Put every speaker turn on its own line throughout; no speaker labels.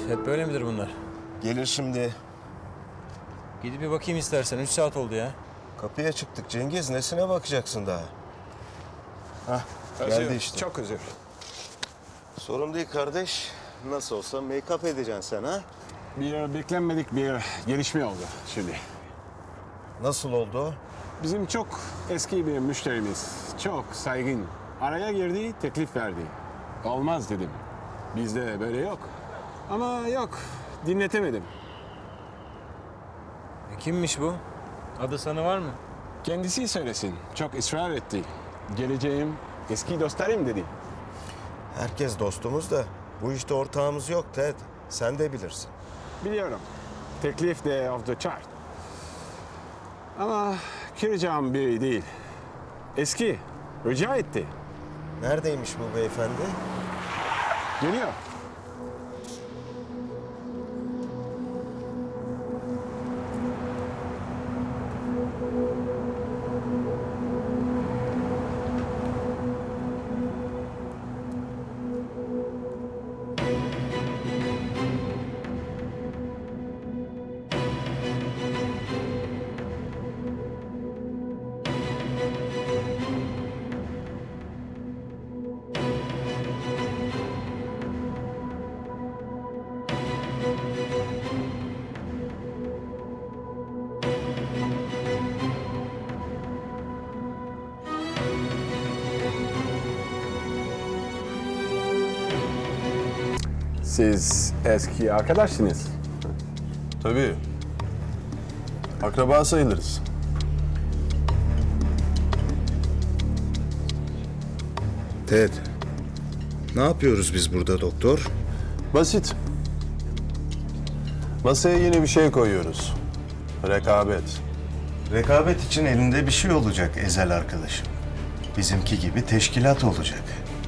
Hep böyle midir bunlar?
Gelir şimdi.
Gidip bir bakayım istersen. 3 saat oldu ya.
Kapıya çıktık Cengiz. Nesine bakacaksın daha? Hah, geldi işte.
Çok özür.
Sorun değil kardeş. Nasıl olsa make-up edeceksin sen ha?
Bir beklenmedik bir gelişme oldu şimdi.
Nasıl oldu o?
Bizim çok eski bir müşterimiz, çok saygın. Araya girdi, teklif verdi. Olmaz dedim. Bizde böyle yok. Ama yok, dinletemedim.
Kimmiş bu? Adı sana var mı?
Kendisi söylesin, çok ısrar etti. Geleceğim, eski dostlarım dedi.
Herkes dostumuz da bu işte ortağımız yok Ted. Sen de bilirsin.
Biliyorum, teklif de off the chart. Ama kıracağım biri değil. Eski, rica etti.
Neredeymiş bu beyefendi?
Geliyor. Siz eski arkadaşsınız.
Tabii. Akraba sayılırız.
Ted, ne yapıyoruz biz burada doktor?
Basit. Masaya yeni bir şey koyuyoruz. Rekabet.
Rekabet için elinde bir şey olacak Ezel arkadaşım. Bizimki gibi teşkilat olacak.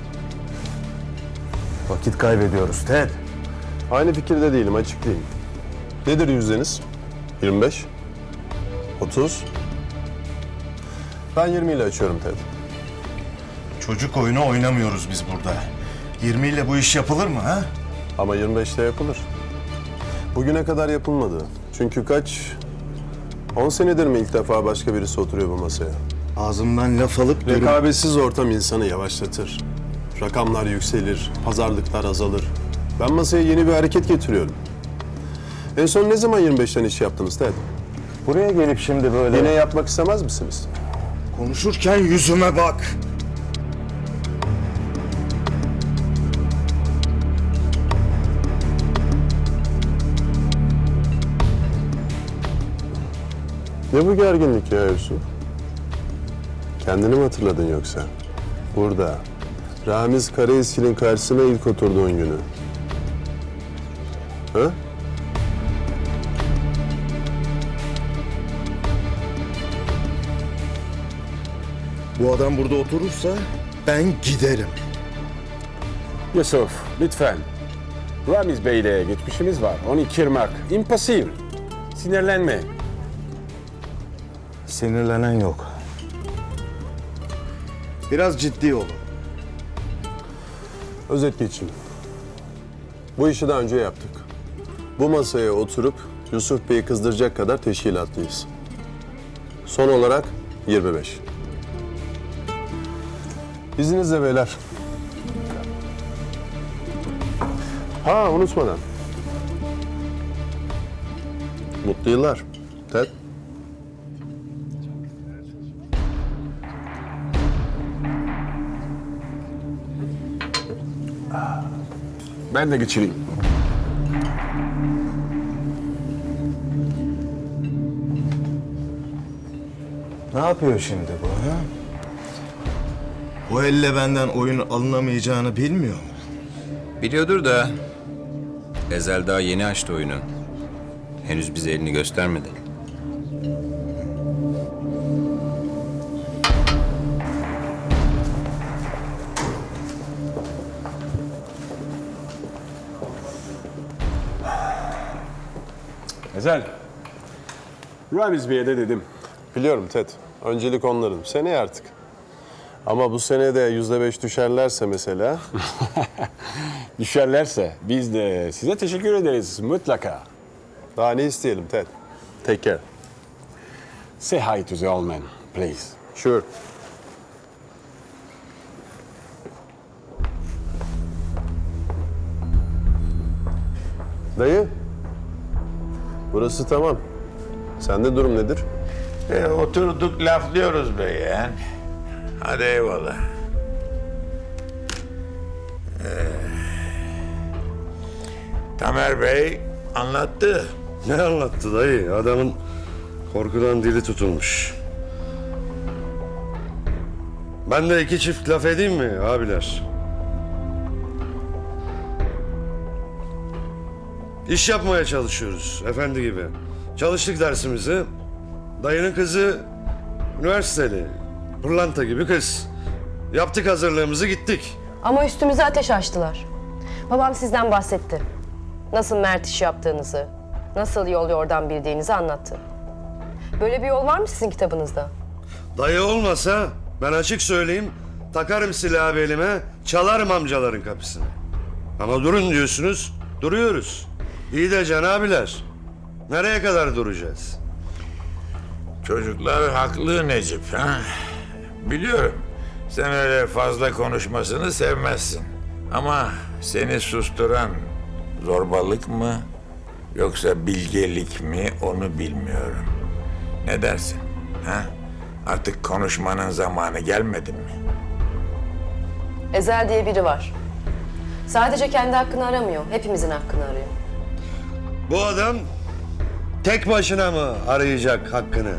Vakit kaybediyoruz Ted.
Aynı fikirde değilim, açıklayayım. Nedir yüzdeniz? 25? 30? Ben 20 ile açıyorum Ted.
Çocuk oyunu oynamıyoruz biz burada. 20 ile bu iş yapılır mı ha?
Ama 25'te yapılır. Bugüne kadar yapılmadı. Çünkü kaç? 10 senedir mi ilk defa başka birisi oturuyor bu masaya?
Ağzımdan laf alıp
Rekabetsiz ortam insanı yavaşlatır. Rakamlar yükselir, pazarlıklar azalır. Ben masaya yeni bir hareket getiriyorum. En son ne zaman 25'ten iş yaptınız Ted?
buraya gelip şimdi böyle...
Yine yapmak istemez misiniz?
Konuşurken yüzüme bak.
Ne bu gerginlik ya Yusuf? Kendini mi hatırladın yoksa? Burada, Ramiz Karaeski'nin karşısına ilk oturduğun günü. Ha?
Bu adam burada oturursa ben giderim.
Yusuf, lütfen. Ramiz Bey'le geçmişimiz var. Onu kırmak impossible. Sinirlenme.
Sinirlenen yok. Biraz ciddi olun.
Özet geçeyim. Bu işi daha önce yaptık. Bu masaya oturup Yusuf Bey'i kızdıracak kadar teşkilatlıyız. Son olarak 25. İzninizle beyler. Ha, unutmadan. Mutlu yıllar. Ted.
Ben de geçireyim.
Ne yapıyor şimdi bu ha? Bu elle benden oyun alınamayacağını bilmiyor mu?
Biliyordur da Ezel daha yeni açtı oyunu. Henüz bize elini göstermedi.
Ezel. Ramiz Bey'e de dedim.
Biliyorum Ted. Öncelik onların. Seneye artık. Ama bu sene de %5 düşerlerse mesela...
Düşerlerse biz de size teşekkür ederiz mutlaka.
Daha ne isteyelim Ted? Take care.
Say hi to the old man, please.
Sure. Dayı. Burası tamam. Sende durum nedir?
Oturduk laflıyoruz be yeğen. Hadi eyvallah. Tamer Bey anlattı.
Ne anlattı dayı? Adamın korkudan dili tutulmuş. Ben de iki çift laf edeyim mi abiler? İş yapmaya çalışıyoruz efendi gibi. Çalıştık dersimizi. Dayının kızı üniversiteli. Pırlanta gibi kız. Yaptık hazırlığımızı gittik.
Ama üstümüze ateş açtılar. Babam sizden bahsetti. Nasıl Mert iş yaptığınızı, nasıl yol yordan bildiğinizi anlattı. Böyle bir yol var mı sizin kitabınızda?
Dayı olmasa ben açık söyleyeyim takarım silahı belime, çalarım amcaların kapısını. Ama durun diyorsunuz, duruyoruz. İyi de Can abiler, nereye kadar duracağız?
Çocuklar haklı Necip. Ha? Biliyorum. Sen öyle fazla konuşmasını sevmezsin. Ama seni susturan zorbalık mı yoksa bilgelik mi onu bilmiyorum. Ne dersin? Ha? Artık konuşmanın zamanı gelmedi mi?
Ezel diye biri var. Sadece kendi hakkını aramıyor, hepimizin hakkını arıyor.
Bu adam tek başına mı arayacak hakkını?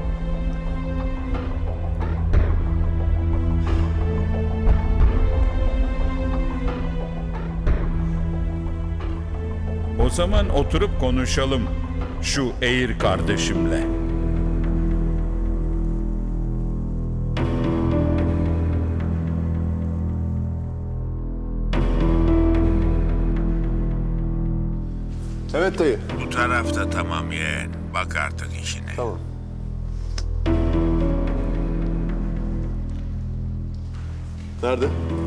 O zaman oturup konuşalım şu Eğir kardeşimle.
Evet dayı.
Bu tarafta tamam yeğen. Bak artık işine.
Tamam. Nerede?